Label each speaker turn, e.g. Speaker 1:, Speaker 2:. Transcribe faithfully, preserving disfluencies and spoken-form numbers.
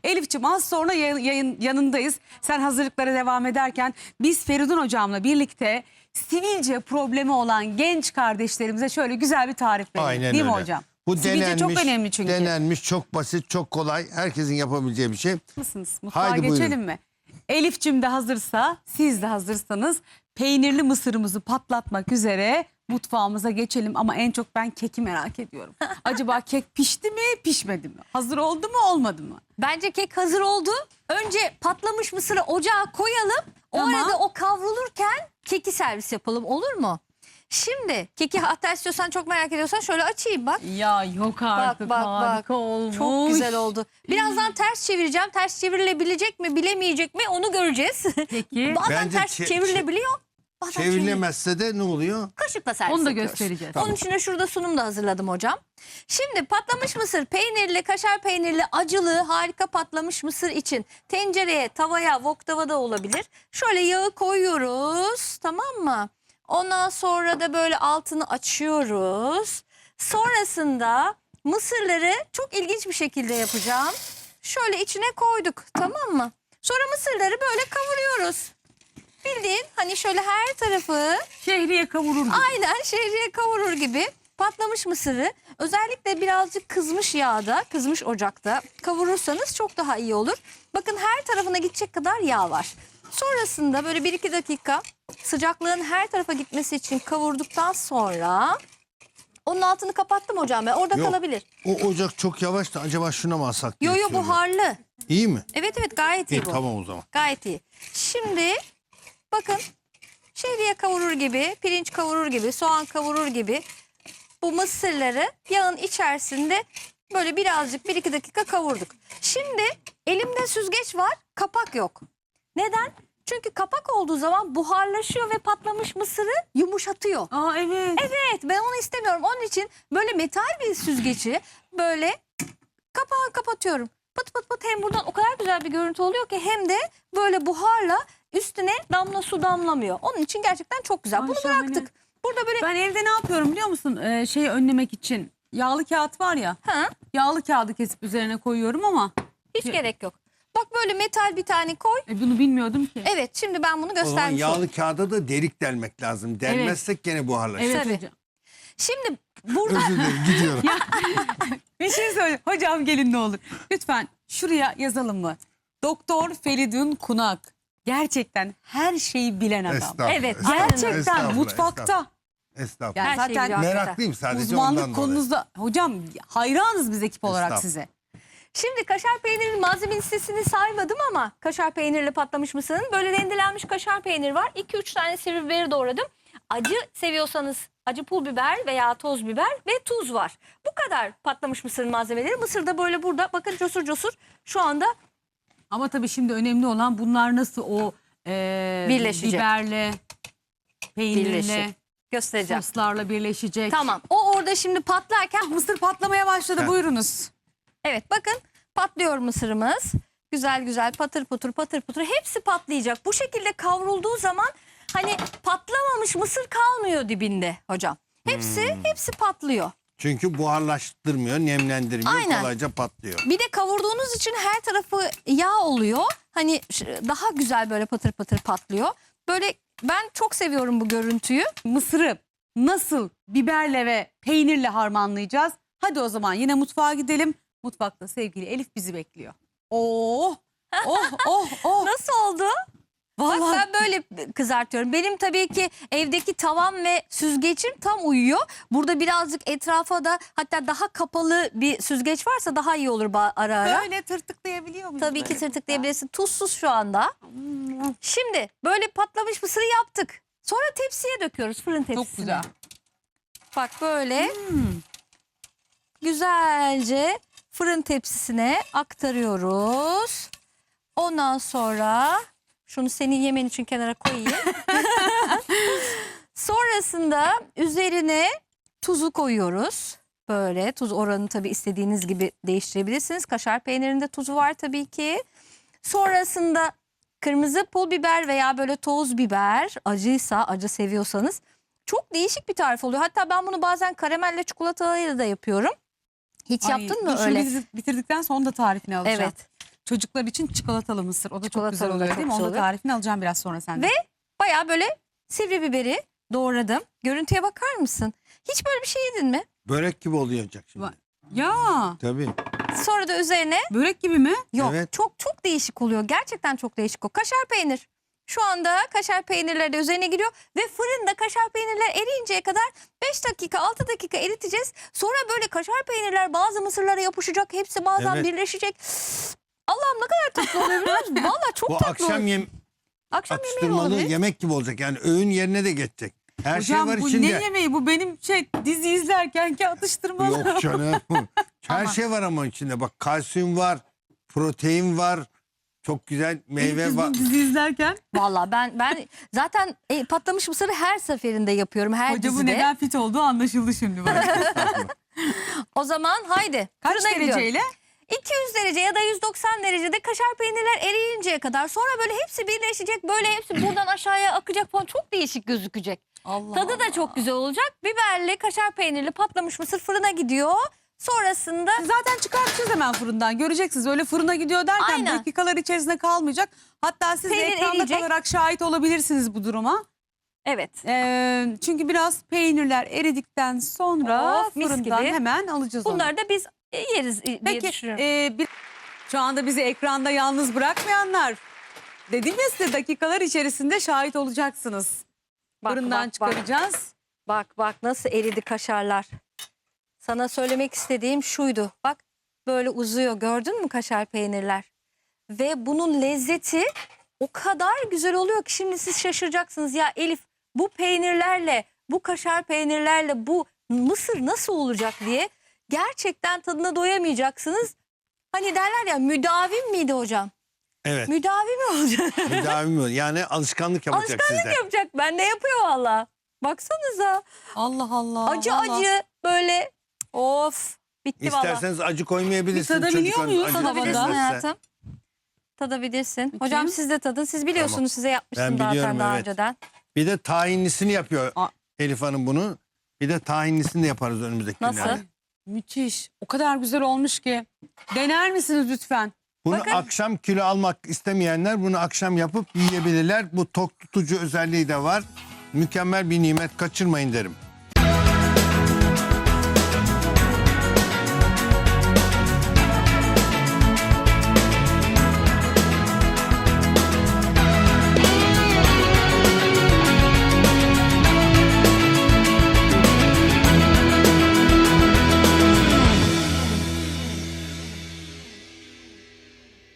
Speaker 1: Elif'ciğim az sonra yayın, yayın yanındayız. Sen hazırlıklara devam ederken biz Feridun hocamla birlikte sivilce problemi olan genç kardeşlerimize şöyle güzel bir tarif verelim.
Speaker 2: Aynen
Speaker 1: Değil
Speaker 2: öyle.
Speaker 1: mi hocam?
Speaker 2: Bu
Speaker 1: Sivilce
Speaker 2: denenmiş,
Speaker 1: çok önemli çünkü.
Speaker 2: denenmiş, çok basit, çok kolay. Herkesin yapabileceği bir şey.
Speaker 1: Mısınız? Mutfağa
Speaker 2: Haydi
Speaker 1: geçelim
Speaker 2: buyurun.
Speaker 1: mi? Elif'cim de hazırsa, siz de hazırsanız peynirli mısırımızı patlatmak üzere mutfağımıza geçelim. Ama en çok ben keki merak ediyorum. Acaba kek pişti mi, pişmedi mi? Hazır oldu mu, olmadı mı?
Speaker 3: Bence kek hazır oldu. Önce patlamış mısırı ocağa koyalım. O
Speaker 1: Tamam.
Speaker 3: arada o kavrulurken keki servis yapalım, olur mu? Şimdi keki hatta istiyorsan, çok merak ediyorsan şöyle açayım bak.
Speaker 1: Ya yok artık,
Speaker 3: bak, bak.
Speaker 1: harika olmuş.
Speaker 3: Çok güzel oldu. Birazdan ters çevireceğim. Ters çevrilebilecek mi, bilemeyecek mi onu göreceğiz.
Speaker 1: Peki.
Speaker 3: Bazen
Speaker 2: Bence
Speaker 3: ters
Speaker 2: çe-
Speaker 3: çevrilebiliyor. Bazen çevrilemez.
Speaker 2: Çevrilemezse de ne oluyor?
Speaker 3: Kaşıkla servis
Speaker 1: Onu da
Speaker 3: yapıyoruz.
Speaker 1: göstereceğiz.
Speaker 3: Onun için de şurada sunum da hazırladım hocam. Şimdi patlamış mısır, peynirli, kaşar peynirli, acılı, harika patlamış mısır için tencereye, tavaya, wok tavada olabilir. Şöyle yağı koyuyoruz, tamam mı? Ondan sonra da böyle altını açıyoruz. Sonrasında mısırları çok ilginç bir şekilde yapacağım. Şöyle içine koyduk, tamam mı? Sonra mısırları böyle kavuruyoruz. Bildiğin hani şöyle her tarafı
Speaker 1: Şehriye kavurur gibi.
Speaker 3: aynen şehriye kavurur gibi patlamış mısırı özellikle birazcık kızmış yağda, kızmış ocakta kavurursanız çok daha iyi olur. Bakın her tarafına gidecek kadar yağ var. Sonrasında böyle bir iki dakika sıcaklığın her tarafa gitmesi için kavurduktan sonra onun altını kapattım hocam ben. Orada
Speaker 2: Yok.
Speaker 3: kalabilir.
Speaker 2: O ocak çok yavaş da acaba şuna mı alsak diye
Speaker 3: Yo yo
Speaker 2: söylüyorum.
Speaker 3: buharlı.
Speaker 2: İyi mi?
Speaker 3: Evet evet gayet iyi,
Speaker 2: İyi
Speaker 3: bu.
Speaker 2: tamam o zaman.
Speaker 3: Gayet iyi. Şimdi bakın şehriye kavurur gibi, pirinç kavurur gibi, soğan kavurur gibi bu mısırları yağın içerisinde böyle birazcık bir iki dakika kavurduk. Şimdi elimde süzgeç var, kapak yok. Neden? Çünkü kapak olduğu zaman buharlaşıyor ve patlamış mısırı yumuşatıyor.
Speaker 1: Aa evet.
Speaker 3: Evet, ben onu istemiyorum. Onun için böyle metal bir süzgeci böyle kapağı kapatıyorum. Pıt pıt pıt, hem buradan o kadar güzel bir görüntü oluyor ki hem de böyle buharla üstüne damla su damlamıyor. Onun için gerçekten çok güzel.
Speaker 1: Ay,
Speaker 3: Bunu
Speaker 1: şahane.
Speaker 3: bıraktık. Burada böyle
Speaker 1: Ben evde ne yapıyorum biliyor musun? Ee, şeyi önlemek için. Yağlı kağıt var ya.
Speaker 3: ha,
Speaker 1: Yağlı kağıdı kesip üzerine koyuyorum ama.
Speaker 3: hiç gerek yok. Bak böyle metal bir tane koy.
Speaker 1: E, bunu bilmiyordum ki.
Speaker 3: Evet, şimdi ben bunu
Speaker 2: O zaman
Speaker 3: göstermiş oldum.
Speaker 2: yağlı kağıda da delik delmek lazım. Delmezsek gene buharlaşır.
Speaker 1: Evet
Speaker 3: Tabii.
Speaker 1: hocam.
Speaker 3: Şimdi burada
Speaker 2: Özür dilerim gidiyorum.
Speaker 1: Bir şey söyle. Hocam gelin ne olur. Lütfen şuraya yazalım mı? Doktor Feridun Kunak. Gerçekten her şeyi bilen adam.
Speaker 2: Estağfurullah,
Speaker 3: Evet,
Speaker 2: estağfurullah,
Speaker 1: Gerçekten
Speaker 2: estağfurullah,
Speaker 1: mutfakta.
Speaker 2: estağfurullah. Estağfurullah.
Speaker 1: Yani
Speaker 3: Her şeyi
Speaker 1: zaten
Speaker 3: biliyor.
Speaker 2: Meraklıyım sadece
Speaker 1: uzmanlık
Speaker 2: ondan dolayı.
Speaker 1: konunuzda. Hocam hayranız biz ekip olarak
Speaker 2: Estağfurullah.
Speaker 1: size.
Speaker 3: Şimdi kaşar peynirinin malzeme listesini saymadım ama kaşar peynirli patlamış mısırın böyle rendelenmiş kaşar peynir var. iki üç tane sivri biberi doğradım. Acı seviyorsanız acı pul biber veya toz biber ve tuz var. Bu kadar patlamış mısırın malzemeleri. Mısır da böyle burada bakın cosur cosur şu anda
Speaker 1: Ama tabii şimdi önemli olan bunlar nasıl o e,
Speaker 3: Birleşecek.
Speaker 1: biberle, peynirle,
Speaker 3: Birleşecek. göstereceğim.
Speaker 1: soslarla birleşecek.
Speaker 3: Tamam, o orada şimdi patlarken
Speaker 1: Mısır patlamaya başladı,
Speaker 2: Heh.
Speaker 1: buyurunuz.
Speaker 3: evet bakın patlıyor mısırımız. Güzel güzel patır putur patır putur hepsi patlayacak. Bu şekilde kavrulduğu zaman hani patlamamış mısır kalmıyor dibinde hocam. Hepsi
Speaker 2: Hmm.
Speaker 3: hepsi patlıyor.
Speaker 2: Çünkü buharlaştırmıyor, nemlendirmiyor,
Speaker 3: Aynen.
Speaker 2: kolayca patlıyor.
Speaker 3: Bir de kavurduğunuz için her tarafı yağ oluyor. Hani ş- daha güzel böyle patır patır patlıyor. Böyle ben çok seviyorum bu görüntüyü.
Speaker 1: Mısırı nasıl biberle ve peynirle harmanlayacağız? Hadi o zaman yine mutfağa gidelim. Mutfakta sevgili Elif bizi bekliyor. Oh, oh, oh, oh.
Speaker 3: Nasıl oldu? Bak
Speaker 1: Vallahi
Speaker 3: ben böyle kızartıyorum. Benim tabii ki evdeki tavam ve süzgecim tam uyuyor. Burada birazcık etrafa da hatta daha kapalı bir süzgeç varsa daha iyi olur ba- ara ara.
Speaker 1: böyle tırtıklayabiliyor muyuz?
Speaker 3: Tabii ki
Speaker 1: böyle?
Speaker 3: tırtıklayabilirsin. Tuzsuz şu anda.
Speaker 1: Hmm,
Speaker 3: Şimdi böyle patlamış mısırı yaptık. Sonra tepsiye döküyoruz, fırın tepsisine.
Speaker 1: Çok güzel.
Speaker 3: Bak böyle
Speaker 1: Hmm.
Speaker 3: güzelce fırın tepsisine aktarıyoruz. Ondan sonra şunu senin yemen için kenara koyayım. Sonrasında üzerine tuzu koyuyoruz. Böyle tuz oranını tabii istediğiniz gibi değiştirebilirsiniz. Kaşar peynirinde tuzu var tabii ki. Sonrasında kırmızı pul biber veya böyle toz biber, acıysa, acı seviyorsanız çok değişik bir tarif oluyor. Hatta ben bunu bazen karamelle çikolatayla da yapıyorum. Hiç
Speaker 1: Ay,
Speaker 3: yaptın mı
Speaker 1: dur şunu
Speaker 3: öyle?
Speaker 1: bitir- bitirdikten sonra da tarifini alacağım.
Speaker 3: Evet.
Speaker 1: çocuklar için çikolatalı mısır. O da çok
Speaker 3: Çikolatalı
Speaker 1: güzel
Speaker 3: da
Speaker 1: oluyor
Speaker 3: çok
Speaker 1: değil mi?
Speaker 3: güzel
Speaker 1: Onun da
Speaker 3: oluyor.
Speaker 1: tarifini alacağım biraz sonra senden.
Speaker 3: Ve bayağı böyle sivri biberi doğradım. Görüntüye bakar mısın? Hiç böyle bir şey yedin mi?
Speaker 2: Börek gibi olacak şimdi.
Speaker 1: Va- Ya
Speaker 2: Tabii.
Speaker 3: Sonra da üzerine
Speaker 1: börek gibi mi?
Speaker 3: yok
Speaker 2: Evet.
Speaker 3: çok çok değişik oluyor. Gerçekten çok değişik o. Kaşar peynir. Şu anda kaşar peynirleri de üzerine giriyor ve fırında kaşar peynirler eriyinceye kadar beş dakika altı dakika eriteceğiz. Sonra böyle kaşar peynirler bazı mısırlara yapışacak. Hepsi bazen
Speaker 2: Evet.
Speaker 3: birleşecek. Allah'ım ne kadar tatlı oluyor biliyor musun? Valla çok
Speaker 2: Bu
Speaker 3: tatlı
Speaker 2: akşam
Speaker 3: oluyor.
Speaker 2: yem
Speaker 3: Akşam yemeği
Speaker 2: atıştırmalı
Speaker 3: olabilir.
Speaker 2: yemek gibi olacak. Yani öğün yerine de geçecek. Her
Speaker 1: Hocam
Speaker 2: şey var
Speaker 1: bu
Speaker 2: içinde.
Speaker 1: ne yemeği? Bu benim şey dizi izlerkenki atıştırmalı.
Speaker 2: Yok canım. Her
Speaker 3: Ama-
Speaker 2: şey var ama içinde. Bak kalsiyum var, protein var. Çok güzel meyve
Speaker 1: Biz
Speaker 2: var.
Speaker 1: bu dizi izlerken
Speaker 3: Valla ben ben zaten e, patlamış mısırı her seferinde yapıyorum her
Speaker 1: hoca bu
Speaker 3: dizide.
Speaker 1: neden fit olduğu anlaşıldı şimdi bana.
Speaker 3: O zaman haydi.
Speaker 1: Kaç
Speaker 3: fırına gidiyorum.
Speaker 1: dereceyle?
Speaker 3: iki yüz derece ya da yüz doksan derecede kaşar peynirler eriyinceye kadar. Sonra böyle hepsi birleşecek. Böyle hepsi buradan aşağıya akacak falan. Çok değişik gözükecek.
Speaker 1: Allah
Speaker 3: Tadı da çok güzel olacak. Biberli, kaşar peynirli patlamış mısır fırına gidiyor. Sonrasında
Speaker 1: Zaten çıkartacağız hemen fırından. Göreceksiniz öyle fırına gidiyor derken
Speaker 3: Aynen.
Speaker 1: dakikalar içerisinde kalmayacak. Hatta siz de
Speaker 3: Peynir
Speaker 1: ekranda
Speaker 3: eriyecek.
Speaker 1: kalarak şahit olabilirsiniz bu duruma.
Speaker 3: evet.
Speaker 1: Ee, çünkü biraz peynirler eridikten sonra
Speaker 3: Of, mis
Speaker 1: fırından
Speaker 3: gibi.
Speaker 1: hemen alacağız onu.
Speaker 3: Bunları da biz e, yeriz e, diye
Speaker 1: Peki
Speaker 3: düşünüyorum.
Speaker 1: e, bir, şu anda bizi ekranda yalnız bırakmayanlar dedim ya size dakikalar içerisinde şahit olacaksınız.
Speaker 3: Bak,
Speaker 1: Fırından
Speaker 3: bak, bak.
Speaker 1: çıkaracağız.
Speaker 3: Bak bak nasıl eridi kaşarlar. Sana söylemek istediğim şuydu. Bak böyle uzuyor gördün mü kaşar peynirler? Ve bunun lezzeti o kadar güzel oluyor ki şimdi siz şaşıracaksınız. Ya Elif bu peynirlerle bu kaşar peynirlerle bu mısır nasıl olacak diye gerçekten tadına doyamayacaksınız. Hani derler ya müdavim miydi hocam?
Speaker 2: Evet.
Speaker 3: Müdavim mi olacak?
Speaker 2: Müdavim ol. Yani alışkanlık yapacak
Speaker 3: Alışkanlık
Speaker 2: sizde.
Speaker 3: yapacak. Ben de yapıyor valla. Baksanıza.
Speaker 1: Allah Allah.
Speaker 3: Acı
Speaker 1: vallahi.
Speaker 3: acı böyle of bitti valla.
Speaker 2: İsterseniz acı koymayabilirsiniz.
Speaker 1: Bir tadabiliyor
Speaker 2: Çocukların
Speaker 1: muyuz?
Speaker 2: acı
Speaker 3: Tadabilirsin
Speaker 1: Tadabilirsin
Speaker 2: severse.
Speaker 3: hayatım. Tadabilirsin.
Speaker 1: Peki.
Speaker 3: Hocam siz de tadın. Siz biliyorsunuz
Speaker 2: Tamam.
Speaker 3: size yapmıştım
Speaker 2: Ben
Speaker 3: zaten
Speaker 2: biliyorum,
Speaker 3: daha
Speaker 2: evet.
Speaker 3: önceden.
Speaker 2: Bir de tahinlisini yapıyor
Speaker 1: Aa.
Speaker 2: Elif Hanım bunu. Bir de tahinlisini de yaparız önümüzdeki
Speaker 3: Nasıl?
Speaker 2: günlerde.
Speaker 1: Müthiş. O kadar güzel olmuş ki. Dener misiniz lütfen?
Speaker 2: Bunu
Speaker 3: Bakın.
Speaker 2: akşam kilo almak istemeyenler bunu akşam yapıp yiyebilirler. Bu tok tutucu özelliği de var. Mükemmel bir nimet, kaçırmayın derim.